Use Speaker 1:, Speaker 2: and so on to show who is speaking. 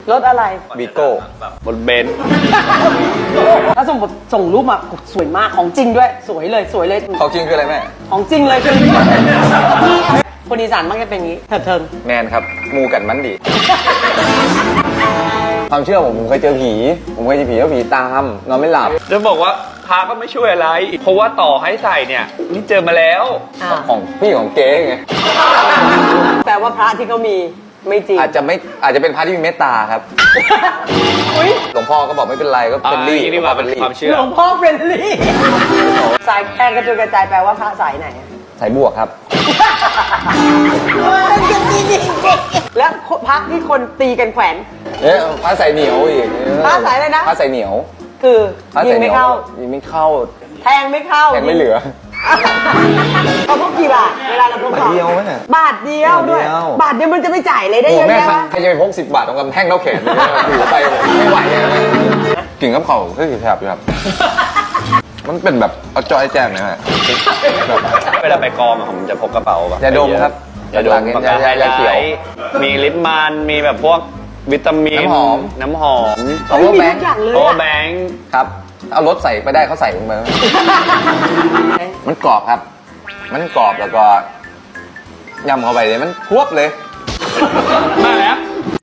Speaker 1: รถอะไร
Speaker 2: บีโก้
Speaker 3: บนเบนซ์
Speaker 1: ถ้าสมมติส่งรูปมาสวยมากของจริงด้วยสวยเลยสวยเลย
Speaker 2: ของจริงคืออะไรแม่
Speaker 1: ของจริงเลยคือคนอีสานมักจะเป็นอย่างนี้เถิง
Speaker 2: แมนครับมูกันมันดี ความเชื่อผมเคยเจอผี ผมเคยเจอผีแล้วผีตามนอนไม่หลับ
Speaker 3: จะบอกว่าพาก็ไม่ช่วยอะไร เพราะว่าต่อให้ใส่เนี่ยนี่เจอมาแล้ว
Speaker 2: ของพี่ของเก๊ไง
Speaker 1: แปลว่าพระที่เขามีไม่จริง
Speaker 2: อาจจะเป็นพระที่มีเมตตาครับ
Speaker 1: อุ้ย
Speaker 2: หลวงพ่อก็บอกไม่เป็นไรก็เป็นรี่
Speaker 3: นี่ว่าเป็น
Speaker 2: รี่
Speaker 3: ความเชื่อ
Speaker 1: หลวงพ่อเฟรนลี่สายแกงกระจุยกระจายแปลว่าพระสายไหนอะ
Speaker 2: สายบวกครับ
Speaker 1: แล้วพระที่คนตีกันแขวน
Speaker 2: เอ๊ะพระสายเหนียวอีก
Speaker 1: พระสายอะไรนะ
Speaker 2: พระสายเหนียว
Speaker 1: คือ
Speaker 2: พระ
Speaker 1: ยิ
Speaker 2: สาง ยเหนี
Speaker 1: ไม่
Speaker 2: ยว
Speaker 1: เข้า
Speaker 2: ยิงไม่เข้า
Speaker 1: แทงไม่เข้า
Speaker 2: แทงไม่เหลือ
Speaker 1: เขาพกกี่บาทเวลาเราพก
Speaker 2: บาทเดียวไหมเนี่ย
Speaker 1: บาทเดียวด้วย
Speaker 2: บาทเดียว
Speaker 1: บาทเดียวมันจะไปจ่ายเลยได้
Speaker 2: โอ้
Speaker 1: เยอะ
Speaker 2: แม่
Speaker 1: แยะวะ
Speaker 2: ใครจะไปพก10 บาทตรงกำแพงเท่าแขนเลยอยู่ไปไม่ไหวเลยกิ่งกับเขาคือแทบอยู่ครับ มันเป็นแบบเอาจอยแจมนะฮะ
Speaker 3: เวลาไปกองอะผมจะพกกระเป๋าแบบ
Speaker 2: ยาดมครับ
Speaker 3: ยาดม
Speaker 2: หลั
Speaker 3: ปากกาไฮ
Speaker 2: ยาเขียว
Speaker 3: ไลท์มีลิปมันมีแบบพวกวิตามิน
Speaker 2: น้ำหอม
Speaker 3: น้ำหอม
Speaker 2: เอา
Speaker 1: เฮ้ยมี
Speaker 2: แบ
Speaker 1: ทุ
Speaker 2: ง
Speaker 1: ก
Speaker 2: ค์
Speaker 1: อย่างเลย
Speaker 3: โอ
Speaker 1: อะ
Speaker 3: แบงค์
Speaker 2: ครับเอารถใส่ไปได้เขาใส่ลงไปมันกรอบครับ มันกรอบแล้วก็ยำเข้าไปเลยมันพวบเลย
Speaker 3: มาแล้ว